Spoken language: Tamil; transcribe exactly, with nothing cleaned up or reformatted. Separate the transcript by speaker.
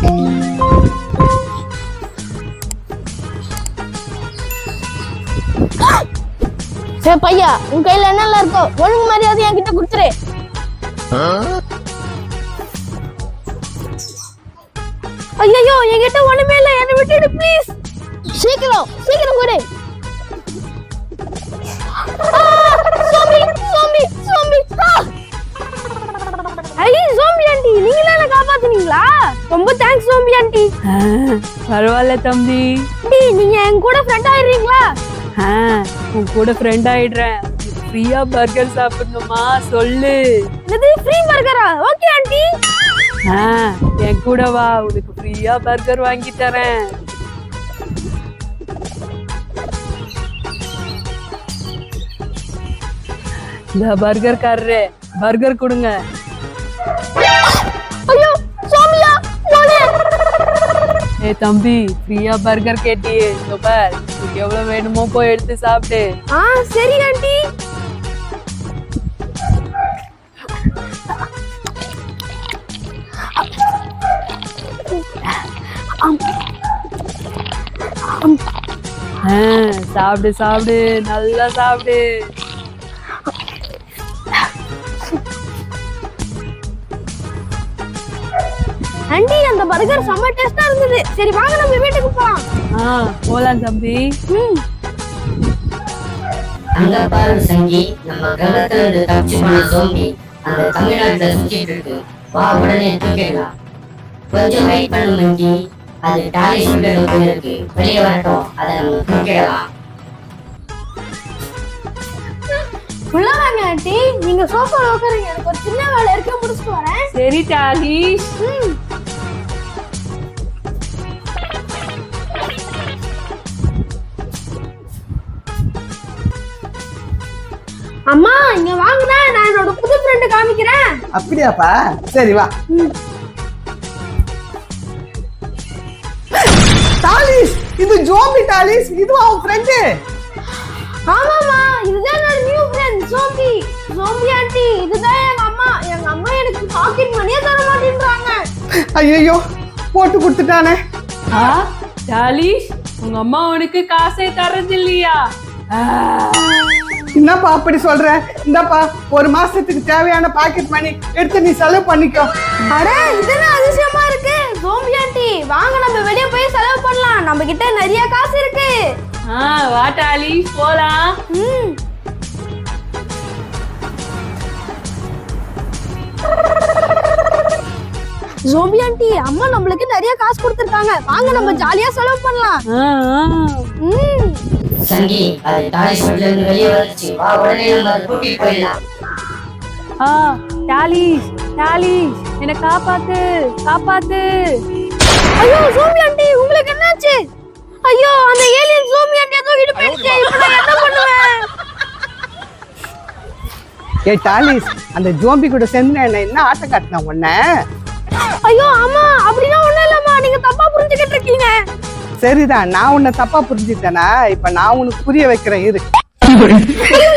Speaker 1: சரி பையா, உன் கையில என்னெல்லாம் இருக்கோ ஒழுங்கு மரியாதை என்கிட்ட கொடுத்துரு. ஐயோ, என்கிட்ட ஒண்ணுமே இல்ல, என்ன விட்டுடு ப்ளீஸ். சீக்கிரம் சீக்கிரம் கொடு. சோம்பி சோம்பி சோம்பி. ஐ சோம்பி ஆண்டி, நீங்களே என்ன காப்பாத்துனீங்களா? ரொம்ப தேங்க்ஸ் சோம்பி ஆண்டி.
Speaker 2: பரவாயில்ல தம்பி.
Speaker 1: நீங்க என் கூட ஃப்ரெண்ட் ஆயிடுறீங்களா?
Speaker 2: உன் கூட ஃப்ரெண்ட் ஆயிடுறேன். ஃப்ரீயா பர்கர் சாப்பிடணுமா சொல்லு.
Speaker 1: இது ஃப்ரீ பர்கரா? Okay aunty.
Speaker 2: என் கூட வா, உனக்கு ஃப்ரீயா பர்கர் வாங்கி தரேன். இந்த பர்கர் காரரே, பர்கர் கொடுங்க.
Speaker 1: ஐயோ சோமியா, போடே.
Speaker 2: ஏய் தம்பி, ஃப்ரீயா பர்கர் கேட்டியே, இதோ பார், உனக்கு எவ்வளவு வேணுமோ போய் எடுத்து சாப்பிடு.
Speaker 1: ஆ சரி ஆண்டி.
Speaker 2: சாப்பிடு சாப்பிடு, நல்லா சாப்பிடு.
Speaker 1: ஆண்டி, அந்த பர்கர் செம்ம டேஸ்டா இருந்தது. சரி வாங்க நம்ம வீட்டுக்கு போலாம்.
Speaker 2: ஆ போலாம் தம்பி.
Speaker 1: ம்.
Speaker 3: அங்க பாரு சங்கி, நம்ம கிரகத்துல இருந்து தப்பிச்சு போன ஜோம்பி அந்த தமிழ்நாட்டுல சுத்திட்டு இருக்கு. வா, உடனே தூக்கிடலாம். கொஞ்சம் வெயிட் பண்ணு மங்கி, அது டாலி ஷூட்டர் இருக்கு, வெளியே வரட்டும், அதை நம்ம தூக்கிடலாம்.
Speaker 1: உள்ள வாங்க ஆண்டி, நீங்க சோஃபால உட்காருங்க, எனக்கு ஒரு சின்ன வேலை இருக்கு, முடிச்சிட்டு வரேன்.
Speaker 2: சரி டாலி.
Speaker 1: ம். அம்மா இங்க வாங்குனா, நான் என்னோட புது ஃப்ரெண்ட் காமிக்கிறேன்.
Speaker 4: அப்படியாப்பா? சரி வா. டாலிஸ், இது ஜோம்பி டாலிஸ், இதுவா உன் ஃப்ரெண்ட்?
Speaker 1: ஆமாமா, இதுதான் என்னோட new friend zombie. Zombie aunty, இதுதான் எங்க அம்மா. எங்க அம்மா எனக்கு பாக்கெட் மணியே தர மாட்டேன்றாங்க.
Speaker 4: ஐயோ, போட்டு கொடுத்துட்டானே.
Speaker 2: ஆ டாலி, உங்க அம்மா உனக்கு காசே தரது இல்லையா?
Speaker 4: என்னப்பா அப்படி சொல்ற? இந்தாப்பா, ஒரு மாசத்துக்கு தேவையான பாக்கெட் மணி எடுத்து நீ செலவு பண்ணிக்கோ.
Speaker 1: அட, இதுனா அதிசயமா இருக்கு. ஜோம்பி ஆண்டி, வாங்க நம்ம வெளிய போய் செலவு பண்ணலாம், நம்ம கிட்ட நிறைய காசு இருக்கு.
Speaker 2: ஆ வா டாலி, போலாம்.
Speaker 1: ம். ஜோம்பி ஆண்டி, அம்மா நம்மளுக்கு நிறைய காசு கொடுத்திருக்காங்க, வாங்க நம்ம ஜாலியா செலவு பண்ணலாம். ம்.
Speaker 3: சங்கி, அது டாலி ஷூட்டர்ல இருந்து வெளியே வந்துச்சு. வா, உடனே நம்ம அதை கூட்டிட்டு போயிடலாம்.
Speaker 2: ஆ டாலி, டாலி, என்ன காப்பாத்து, காப்பாத்து.
Speaker 1: ஐயோ ஜோம்பி ஆண்டி, உங்களுக்கு என்னாச்சு? ஐயோ, அந்த ஏலியன் ஜோம்பி ஆண்டி தூக்கிட்டு போயிடுச்சு. இப்போ நான் என்ன பண்ணுவேன்?
Speaker 4: ஏய் டாலிஸ், அந்த ஜோம்பி கூட சேர்ந்து என்ன என்ன ஆட்டம் காட்டினா உன்ன?
Speaker 1: ஐயோ ஆமா, அப்படினா ஒண்ணும் இல்லம்மா, நீங்க தப்பா புரிஞ்சுக்கிட்டு இருக்கீங்க.
Speaker 4: சரிதான், நான் உன்னை தப்பா புரிஞ்சுட்டேனா? இப்ப நான் உனக்கு புரிய வைக்கிறேன் இரு.